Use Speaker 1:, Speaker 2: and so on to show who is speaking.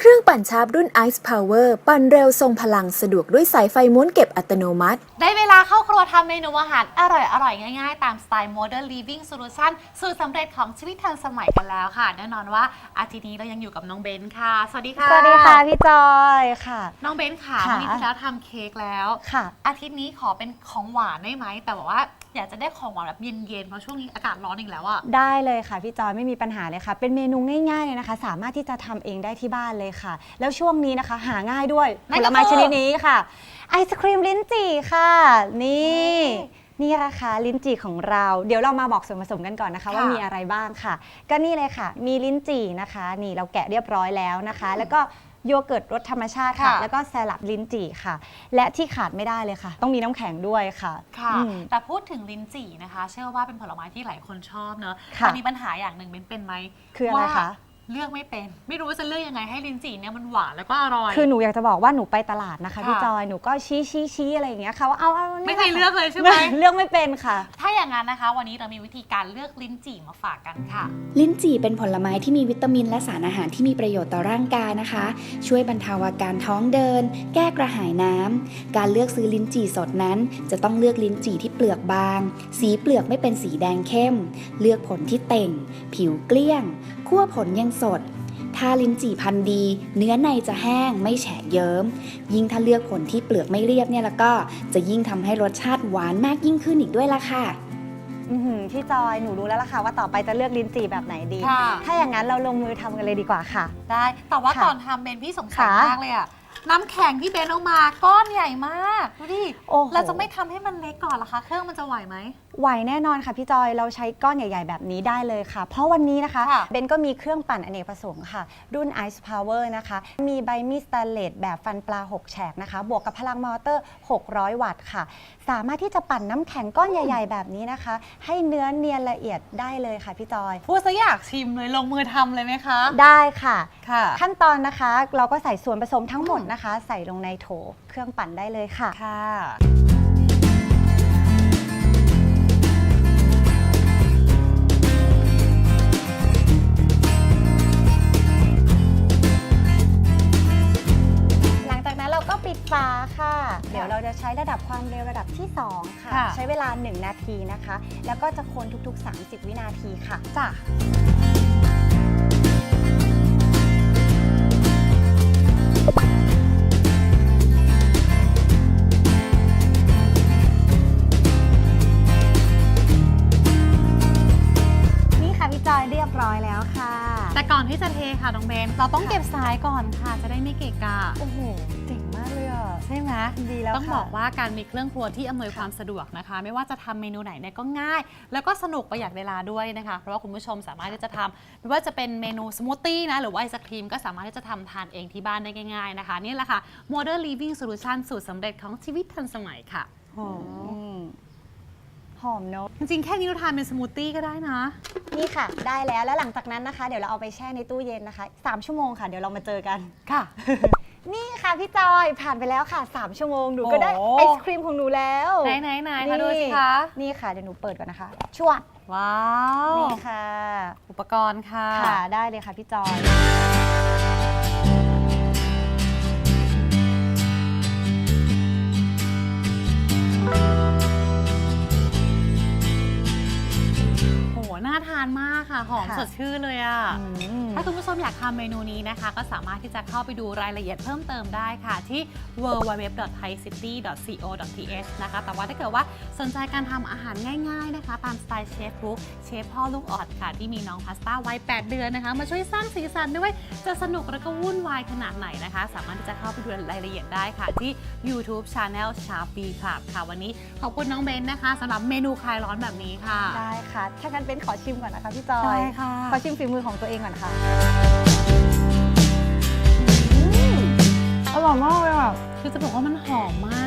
Speaker 1: รื่องปั่นชาร์ปรุ่น Ice Power ปั่นเร็วทรงพลังสะดวกด้วยสายไฟม้วนเก็บอัตโนมัติ
Speaker 2: ได้เวลาเข้าครัวทำเมนูอาหารอร่อยง่ายๆตามสไตล์ Modern Living Solution สูตรสำเร็จของชีวิตทันสมัยกันแล้วค่ะแน่นอนว่าอาทิตย์นี้เรายังอยู่กับน้องเบนค่ะสวัสดีค่ะ
Speaker 3: สวัสดีค่ะพี่จอยค่ะ
Speaker 2: น้องเบนค่ะวันนี้ที่แล้วทำเค้กแล้ว
Speaker 3: ค่ะ
Speaker 2: อาทิตย์นี้ขอเป็นของหวานได้ไหมแต่บอกว่าอยากจะได้ของหวานแบบเย็นๆเพราะช่วงนี้อากาศร้อนอีกแล้วอะ
Speaker 3: ได้เลยค่ะพี่จอยไม่มีปัญหาเลยค่ะเป็นเมนูง่ายๆเลยนะคะสามารถที่จะทำเองได้ที่บ้านเลยค่ะแล้วช่วงนี้นะคะหาง่ายด้วยผลไม้ชนิดนี้ค่ะไอศครีมลิ้นจี่ค่ะนี่นะคะลิ้นจี่ของเราเดี๋ยวเรามาบอกส่วนผสมกันก่อนนะคะว่ามีอะไรบ้างค่ะก็นี่เลยค่ะมีลิ้นจี่นะคะนี่เราแกะเรียบร้อยแล้วนะคะแล้วก็โยเกิร์ตรสธรรมชาติค่ะแล้วก็แซลัดลิ้นจี่ค่ะและที่ขาดไม่ได้เลยค่ะต้องมีน้ำแข็งด้วยค่ะ
Speaker 2: แต่พูดถึงลิ้นจี่นะคะเชื่อว่าเป็นผลไม้ที่หลายคนชอบเนอะแต่มีปัญหาอย่างหนึ่งเป็นไหม
Speaker 3: คืออะไรคะ
Speaker 2: เลือกไม่เป็นไม่รู้ว่าจะเลือกยังไงให้ลิ้นจี่เนี่ยมันหวานแล้วก็อร่อย
Speaker 3: คือหนูอยากจะบอกว่าหนูไปตลาดนะคะพี่จอยหนูก็ชี้อะไรอย่างเงี้ยค่ะว่าเอา
Speaker 2: ไม่เคยเลือกเลยใช่ไหม
Speaker 3: เลือกไม่เป็นค่ะ
Speaker 2: ถ้าอย่างนั้นนะคะวันนี้เรามีวิธีการเลือกลิ้นจี่มาฝากกันค่ะ
Speaker 4: ลิ้นจี่เป็นผลไม้ที่มีวิตามินและสารอาหารที่มีประโยชน์ต่อร่างกายนะคะช่วยบรรเทาอาการท้องเดินแก้กระหายน้ำการเลือกซื้อลิ้นจี่สดนั้นจะต้องเลือกลิ้นจี่ที่เปลือกบางสีเปลือกไม่เป็นสีแดงเข้มเลือกผลที่เต่งผิวเกลี้ยงคั่วผลยังสดถ้าลิ้นจี่พันธุ์ดีเนื้อในจะแห้งไม่แฉะเยิ้มยิ่งถ้าเลือกผลที่เปลือกไม่เรียบเนี่ยแล้วก็จะยิ่งทำให้รสชาติหวานมากยิ่งขึ้นอีกด้วยล่ะค่ะ
Speaker 3: พี่จอยหนูรู้แล้วล่ะค่ะว่าต่อไปจะเลือกลิ้นจี่แบบไหนดีถ้าอย่างนั้นเราลงมือทำกันเลยดีกว่าค่ะ
Speaker 2: ได้แต่ว่าก่อนทำเบนพี่สงสัยมากเลยอะน้ำแข็งที่เบนเอามาก้อนใหญ่มากดูดิเราจะไม่ทำให้มันเล็กก่อนหรอคะเครื่องมันจะไหวไหม
Speaker 3: ไหวแน่นอนค่ะพี่จอยเราใช้ก้อนใหญ่ๆแบบนี้ได้เลยค่ะเพราะวันนี้นะคะเบนก็มีเครื่องปั่นอเนกประสงค์ค่ะรุ่น Ice Power นะคะมีใบมีดสแตนเลสแบบฟันปลา6แฉกนะคะบวกกับพลังมอเตอร์600วัตต์ค่ะสามารถที่จะปั่นน้ำแข็งก้อนใหญ่ๆแบบนี้นะคะให้เนื้อเนียนละเอียดได้เลยค่ะพี่จอย
Speaker 2: พูดซะอยากชิมเลยลงมือทำเลยไหมคะ
Speaker 3: ได้ค่ะขั้นตอนนะคะเราก็ใส่ส่วนผสมทั้งหมดนะคะใส่ลงในโถเครื่องปั่นได้เลยค่ะปิดฝาค่ะเดี๋ยวเราจะใช้ระดับความเร็วระดับที่2ค่ะใช้เวลา1นาทีนะคะแล้วก็จะคนทุกๆ30วินาทีค่ะจ้ะนี่ค่ะพี่จอยเรียบร้อยแล้วค่ะ
Speaker 2: แต่ก่อนที่จะเทค่ะน้องเบนเราต้องเก็บสายก่อนค่ะจะได้ไม่เกะกะ
Speaker 3: โอ้โหเจ๋งมากเลยอ่ะ
Speaker 2: ใช่ไหม
Speaker 3: ดีแล้ว
Speaker 2: ต้องบอกว่าการมีเครื่องครัวที่อำนวยความสะดวกนะคะไม่ว่าจะทำเมนูไหนเนี่ยก็ง่ายแล้วก็สนุกประหยัดเวลาด้วยนะคะเพราะว่าคุณผู้ชมสามารถที่จะทำไม่ว่าจะเป็นเมนูสมูทตี้นะหรือว่าไอศครีมก็สามารถที่จะทำทานเองที่บ้านได้ง่ายๆนะคะนี่แหละค่ะ Modern Living Solution สูตรสำเร็จของชีวิตทันสมัยค่ะ
Speaker 3: หอมเนอะ
Speaker 2: จริงๆแค่นี้เราทานเป็นสมูทตี้ก็ได้นะ
Speaker 3: นี่ค่ะได้แล้วหลังจากนั้นนะคะเดี๋ยวเราเอาไปแช่ในตู้เย็นนะคะ3ชั่วโมงค่ะเดี๋ยวเรามาเจอกัน
Speaker 2: ค่ะ
Speaker 3: นี่ค่ะพี่จอยผ่านไปแล้วค่ะ3ชั่วโมงหนูก็ได้ไอศครีมของหนูแล้ว
Speaker 2: ไหนมาดูสิคะ
Speaker 3: นี่ค่ะเดี๋ยวหนูเปิดก่อนนะคะชวด
Speaker 2: ว้าว
Speaker 3: นี่ค่ะ
Speaker 2: อุปกรณ์ค่ะ
Speaker 3: ได้เลยค่ะพี่จอย
Speaker 2: น่าทานมากค่ะหอมสดชื่นเลยอ่ะถ้าคุณผู้ชมอยากทำเมนูนี้นะคะก็สามารถที่จะเข้าไปดูรายละเอียดเพิ่มเติมได้ค่ะที่ www.thaicity.co.th นะคะแต่ว่าถ้าเกิดว่าสนใจการทำอาหารง่ายๆนะคะตามสไตล์เชฟบุ๊กเชฟพ่อลูกออดค่ะที่มีน้องพาสต้าวัย8 เดือนนะคะมาช่วยสร้างสีสันด้วยจะสนุกและก็วุ่นวายขนาดไหนนะคะสามารถที่จะเข้าไปดูรายละเอียดได้ค่ะที่ YouTube Channel Sharp B Club ค่ะวันนี้ขอบคุณน้องเบนนะคะสำหรับเมนูคลายร้อนแบบนี้ค่ะ
Speaker 3: ได้ค่ะถ้างั้นเป็นขอชิมก่อนนะคะพี่จอย
Speaker 2: ได้ค่ะ
Speaker 3: ขอชิมฝีมือของตัวเองก่อนค่ะอร่อยมากเลยอ่ะ
Speaker 2: คือจะบอกว่ามันหอมมาก